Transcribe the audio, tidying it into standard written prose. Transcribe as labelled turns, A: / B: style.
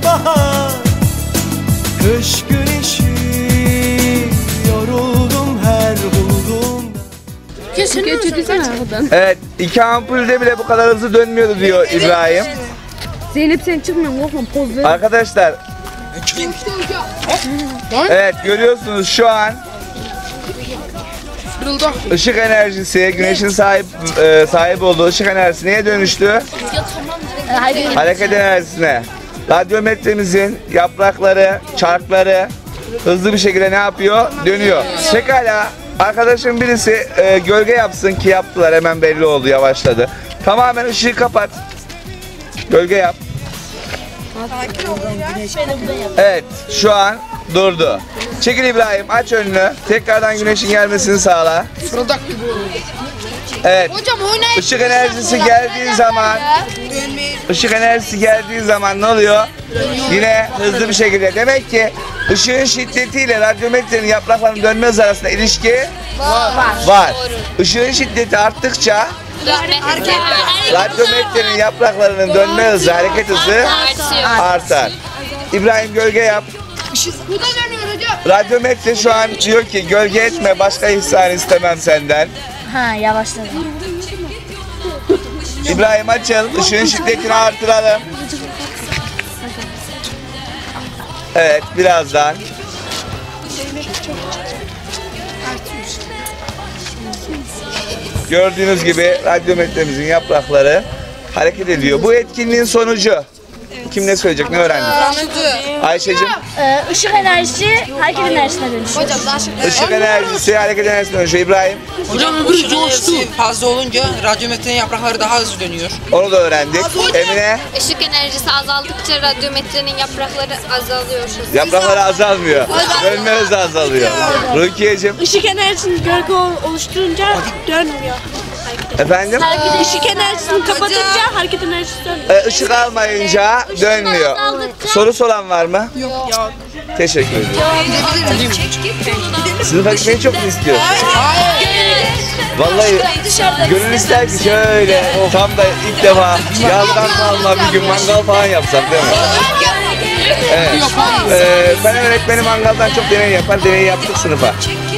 A: bahar, kış güneşi, yoruldum her bulduğumda.
B: Evet, 2 ampulde bile bu kadar hızlı dönmüyordu diyor İbrahim.
C: Zeynep sen çıkmıyorsun, korkma, poz ver.
B: Arkadaşlar, evet görüyorsunuz şu an ışık enerjisi, güneşin sahip olduğu ışık enerjisi neye dönüştü? Hareket enerjisine. Radyometremizin yaprakları, çarkları hızlı bir şekilde ne yapıyor? Dönüyor. Pekala, arkadaşım birisi gölge yapsın ki yaptılar, hemen belli oldu, yavaşladı. Tamamen ışığı kapat. Gölge yap. Evet, şu an durdu. Çekil İbrahim, aç önünü. Tekrardan güneşin gelmesini sağla. Evet. Işık enerjisi geldiği zaman ne oluyor? Yine hızlı bir şekilde. Demek ki ışığın şiddetiyle radyometrenin yapraklarının dönme hızı arasında ilişki var. Işığın şiddeti arttıkça radyometrenin yapraklarının dönme hızı, hareket hızı artar. İbrahim gölge yap. Radyometre şu an diyor ki gölge etme, başka ihsan istemem senden.
C: Ha, yavaşladım.
B: İbrahim açıl, ışığın şiddetini artıralım. Evet, birazdan. Gördüğünüz gibi radyometremizin yaprakları hareket ediyor. Bu etkinliğin sonucu. Kim ne söyleyecek, ne öğrendik? Ayşe'cim.
C: Işık enerjisi hareket enerjisine dönüşüyor.
B: Işık enerjisi hareket enerjisine dönüşüyor. İbrahim.
D: Hocam ışık enerjisi fazla olunca radyometrenin yaprakları daha hızlı dönüyor.
B: Onu da öğrendik. Emine.
E: Işık enerjisi azaldıkça radyometrenin yaprakları azalıyor.
B: Yaprakları azalmıyor. Dönme hızı azalıyor. Rukiye'cim.
C: Işık enerjisini gölge oluşturunca dönmüyor.
B: Efendim?
C: Işık enerjisini kapatınca hareket enerjisi dönüyor.
B: Işık almayınca dönmüyor. Sorusu olan var mı?
C: Yok.
B: Teşekkür ederim. Sınıfa gitmeyi çok mu istiyor? Vallahi gönül ister ki şöyle tam da ilk defa yazdan kalma bir gün mangal falan yapsak değil mi? Evet. Ben öğretmenim mangaldan çok deney yapar. Deney yaptık sınıfa.